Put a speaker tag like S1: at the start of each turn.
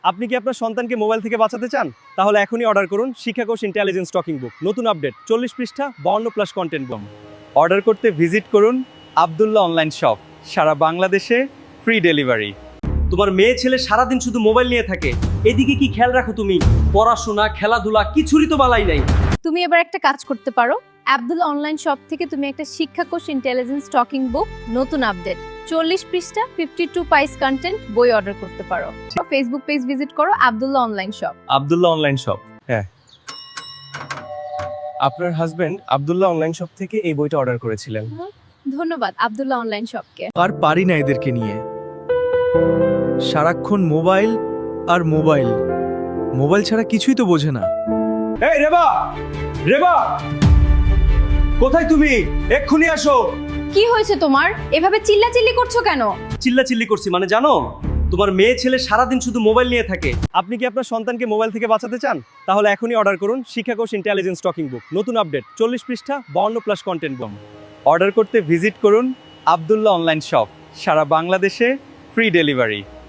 S1: আপনি কি আপনার সন্তানকে মোবাইল থেকে বাঁচাতে চান? তাহলে এখনই অর্ডার করুন শিক্ষাকোষ ইন্টেলিজেন্স টকিং বুক। নতুন আপডেট 40 পৃষ্ঠা 52+ কন্টেন্ট বুক। অর্ডার করতে ভিজিট করুন আব্দুল্লাহ অনলাইন শপ। সারা বাংলাদেশে ফ্রি ডেলিভারি। তোমার মেয়ে ছেলে সারাদিন শুধু মোবাইল নিয়ে থাকে, এদিকে কি খেয়াল রাখো তুমি? পড়াশোনা খেলাধুলা কিছুরই তো বালাই নাই।
S2: তুমি এবার একটা কাজ করতে পারো, আব্দুল্লাহ অনলাইন শপ থেকে তুমি একটা শিক্ষাকোষ ইন্টেলিজেন্স টকিং বুক নতুন আপডেট 40 পৃষ্ঠা 52 পাইস কন্টেন্ট বই অর্ডার করতে পারো। ফেসবুক পেজ ভিজিট করো Abdullah online shop.
S1: Abdullah online shop. হ্যাঁ, আপনার হাজবেন্ড আব্দুল্লাহ অনলাইন শপ থেকে এই বইটা অর্ডার করেছিলেন।
S2: ধন্যবাদ আব্দুল্লাহ অনলাইন শপকে।
S3: আর পারি না এদেরকে নিয়ে, সারাক্ষণ মোবাইল আর মোবাইল, মোবাইল ছাড়া কিছুই তো বোঝে না।
S1: এই রেবা, রেবা কোথায় তুমি? এক্ষুনি আসো।
S2: কি হয়েছে তোমার? এভাবে চিল্লাচিল্লি করছো কেন?
S1: চিল্লাচিল্লি করছি মানে জানো, তোমার মেয়ে ছেলে সারাদিন শুধু মোবাইল নিয়ে থাকে। আপনি কি আপনার সন্তানকে মোবাইল থেকে বাঁচাতে চান? তাহলে এখনই অর্ডার করুন শিক্ষাকোষ ইন্টেলিজেন্স টকিং বুক। নতুন আপডেট 40 পৃষ্ঠা 52+ কন্টেন্ট বুক। অর্ডার করতে ভিজিট করুন আব্দুল্লাহ অনলাইন শপ। সারা বাংলাদেশে ফ্রি ডেলিভারি।